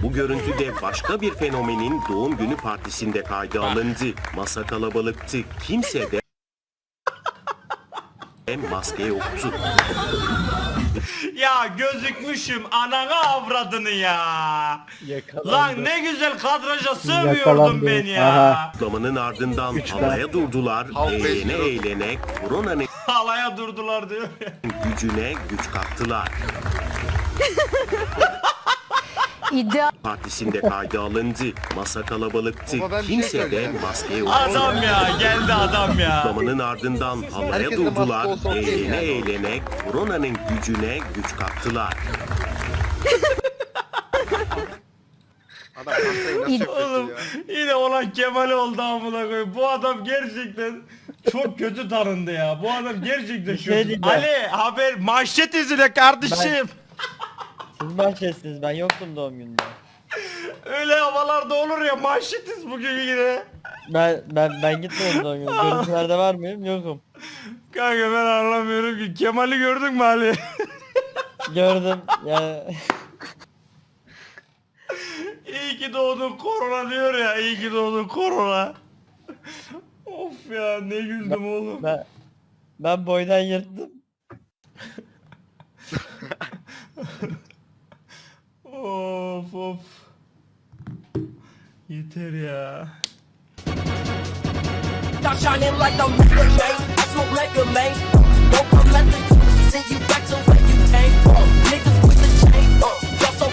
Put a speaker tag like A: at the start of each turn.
A: Bu görüntü de başka bir fenomenin doğum günü partisinde kayda alındı. Masa kalabalıktı. Kimse de maske yoktu.
B: Ya gözükmüşüm anana avradını ya. Lan ne güzel kadraja sığmıyordum ben ya.
A: Kutlamanın ardından halaya durdular. Eğlene eğlene koronanın
B: Halaya durdular diyor.
A: gücüne güç kattılar.
C: İddia
A: Partisinde kayda alındı. Masa kalabalıktı.
D: Baba, ben bir şey
A: Kimse de
D: söyleyeceğim.
A: maske yoktu.
B: Adam ya geldi adam ya.
A: Kutlamanın ardından halaya
D: Herkes de
A: durdular.
D: maske olsa okey
A: Eğlene
D: yani.
A: eğlene koronanın gücüne güç kattılar.
D: Adam hastayı nasıl yapıyorsun
B: Oğlum
D: ya?
B: yine olan Kemal oldu amına koyayım. Bu adam gerçekten çok kötü tanındı ya. Bu adam gerçekten kötü.
E: diyeceğim.
B: Ali haber manşet izle kardeşim.
E: Siz bahçesiniz, ben yoktum doğum gününde.
B: Öyle havalarda olur ya manşetiz bugün yine.
E: Ben gitmedim doğum gününe. Görüntülerde var mıyım? Yokum.
B: Kanka ben anlamıyorum ki. Kemal'i gördün mü Ali?
E: Gördüm yani.
B: İyi ki doğdun korona diyor ya. İyi ki doğdun korona. Of ya ne güldüm oğlum.
E: Ben boydan yırttım.
B: Of of. Yeter ya.
F: Stop shining like I'm Luka, man. I smoke like a man. Don't come at the send you back to where you came from. Niggas with the chain.